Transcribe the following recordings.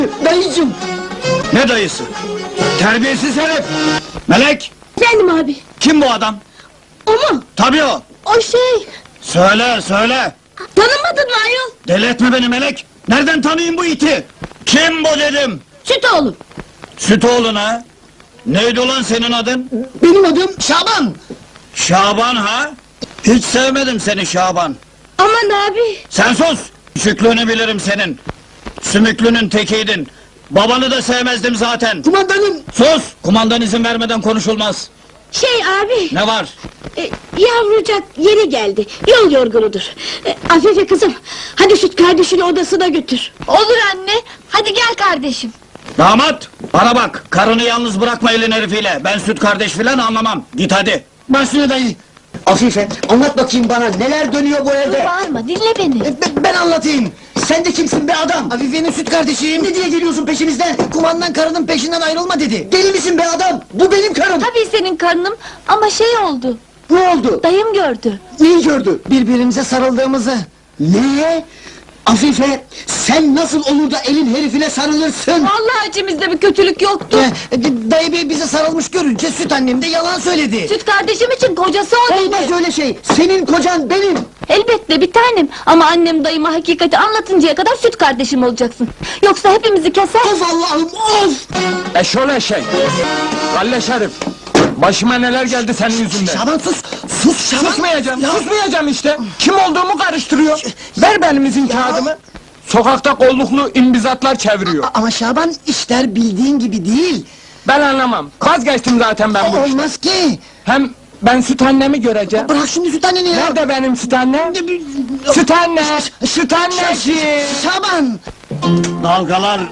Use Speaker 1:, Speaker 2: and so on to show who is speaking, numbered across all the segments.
Speaker 1: Dayıcım.
Speaker 2: Ne dayısı? Terbiyesiz herif! Melek!
Speaker 3: Efendim abi.
Speaker 2: Kim bu adam?
Speaker 3: O mu?
Speaker 2: Tabii o!
Speaker 3: O şey.
Speaker 2: Söyle, söyle!
Speaker 3: Tanımadın mı ayol?
Speaker 2: Deli etme beni Melek! Nereden tanıyayım bu iti? Kim bu dedim?
Speaker 3: Süt oğlum.
Speaker 2: Sütoğlu'na ha? Neydi ulan senin adın?
Speaker 1: Benim adım Şaban.
Speaker 2: Şaban ha? Hiç sevmedim seni Şaban!
Speaker 3: Aman abi.
Speaker 2: Sen sus! Şüklünü bilirim senin! Sümüklünün tekiydin! Babanı da sevmezdim zaten!
Speaker 1: Kumandanım.
Speaker 2: Sus! Kumandan izin vermeden konuşulmaz!
Speaker 3: Şey abi.
Speaker 2: Ne var?
Speaker 3: Yavrucak yeni geldi. Yol yorgunudur. Afife kızım. Hadi Süt kardeşini odasına götür.
Speaker 4: Olur anne, hadi gel kardeşim.
Speaker 2: Damat! Bana bak! Karını yalnız bırakma elin herifiyle! Ben süt kardeş filan anlamam! Git hadi!
Speaker 1: Başüstüne dayı. Afife, anlat bakayım bana, neler dönüyor bu evde?
Speaker 4: Bağırma, dinle beni.
Speaker 1: Ben anlatayım. Sen de kimsin be adam? Afife'nin süt kardeşiyim. Ne diye geliyorsun peşimizden? Kumandan karının peşinden ayrılma dedi. Deli misin be adam? Bu benim karım.
Speaker 4: Tabii senin karnım ama şey oldu,
Speaker 1: Ne oldu?
Speaker 4: dayım gördü.
Speaker 1: Neyi gördü? Birbirimize sarıldığımızı. Ne? Afife, sen nasıl olur da elin herifine sarılırsın?
Speaker 4: Vallahi içimizde bir kötülük yoktu.
Speaker 1: Dayı bey bize sarılmış görünce süt annem de yalan söyledi.
Speaker 4: Süt kardeşim için kocası o dedi.
Speaker 1: Olmaz öyle şey. Senin kocan benim.
Speaker 4: Elbette bir tanem ama annem dayıma hakikati anlatıncaya kadar süt kardeşim olacaksın. Yoksa hepimizi keser.
Speaker 1: Of Allah'ım, of!
Speaker 5: Eşol eşek! Galle Şerif! Başıma neler geldi senin yüzünden!
Speaker 1: Şaban sus! Sus Şaban!
Speaker 5: Susmayacağım,
Speaker 1: Ya.
Speaker 5: susmayacağım işte! Kim olduğumu karıştırıyor! Ver benim izin kağıdımı! Sokakta kolluklu imbizatlar çeviriyor!
Speaker 1: Ama Şaban, işler bildiğin gibi değil.
Speaker 5: Ben anlamam, vazgeçtim zaten ben bu işten!
Speaker 1: Olmaz ki!
Speaker 5: Hem ben süt annemi göreceğim!
Speaker 1: Bırak şimdi süt anneni ya!
Speaker 5: Nerede benim süt annem? Süt anne! Süt anneciğim!
Speaker 1: Şaban!
Speaker 2: Dalgalar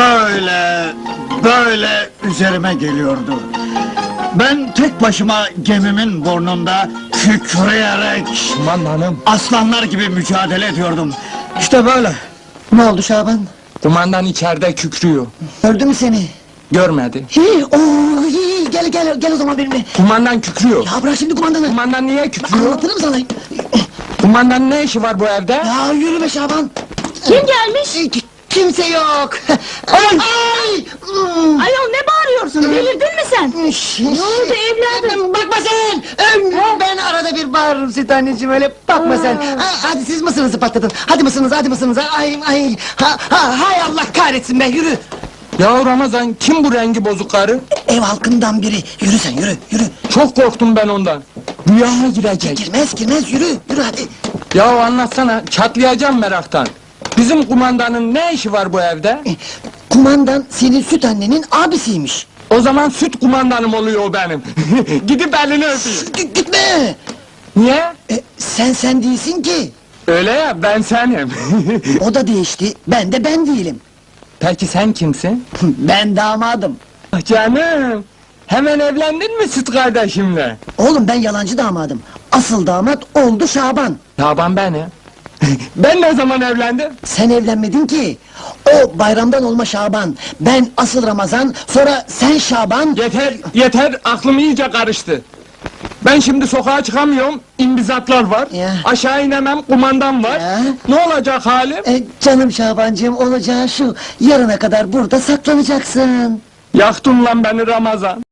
Speaker 2: böyle üzerime geliyordu. Ben tek başıma gemimin burnunda kükreyerek
Speaker 5: Kumandanım!
Speaker 2: aslanlar gibi mücadele ediyordum. İşte böyle.
Speaker 1: Ne oldu Şaban?
Speaker 5: Kumandan içeride kükrüyor.
Speaker 1: Gördü mü seni?
Speaker 5: Görmedi.
Speaker 1: Gel o zaman benimle.
Speaker 5: Kumandan kükrüyor.
Speaker 1: Ya bırak şimdi kumandanı.
Speaker 5: Kumandan niye kükrüyor?
Speaker 1: Anlatırım sana.
Speaker 5: Kumandanın ne işi var bu evde?
Speaker 1: Ya yürü be Şaban.
Speaker 3: Kim gelmiş?
Speaker 1: Kimse yok.
Speaker 3: Ay!
Speaker 1: Ay!
Speaker 3: Ayol ne bağırıyorsun? Delirdin mi sen?
Speaker 1: Ne
Speaker 3: oldu evladım?
Speaker 1: Bakma sen! Ben arada bir bağırırım süt anneciğim, öyle bakma sen! Hadi siz mısırınızı patlatın! Hadi mısırınız! Ay! Hay Allah kahretsin be, yürü!
Speaker 5: Ya Ramazan, kim bu rengi bozuk karı?
Speaker 1: Ev halkından biri, yürü sen, yürü!
Speaker 5: Çok korktum ben ondan. Rüyama girecek.
Speaker 1: Girmez, yürü hadi!
Speaker 5: Ya anlatsana, çatlayacağım meraktan. Bizim kumandanın ne işi var bu evde?
Speaker 1: Kumandan senin süt annenin abisiymiş!
Speaker 5: O zaman süt kumandanım oluyor o benim. Gidip elini öpeyim.
Speaker 1: Gitme!
Speaker 5: Niye?
Speaker 1: Sen değilsin ki!
Speaker 5: Öyle ya, ben senim.
Speaker 1: O da değişti, ben değilim!
Speaker 5: Peki sen kimsin?
Speaker 1: Ben damadım!
Speaker 5: Ah canım! Hemen evlendin mi süt kardeşimle?
Speaker 1: Oğlum ben yalancı damadım! Asıl damat oldu Şaban!
Speaker 5: Taban benim. Ben ne zaman evlendim?
Speaker 1: Sen evlenmedin ki! O bayramdan olma Şaban! Ben asıl Ramazan, sonra sen Şaban!
Speaker 5: Yeter, aklım iyice karıştı. Ben şimdi sokağa çıkamıyorum, imbizatlar var.
Speaker 1: Ya.
Speaker 5: Aşağı inemem, kumandan var.
Speaker 1: Ya.
Speaker 5: Ne olacak halim?
Speaker 1: Canım Şabancığım, olacağı şu, yarına kadar burada saklanacaksın!
Speaker 5: Yaktın lan beni Ramazan.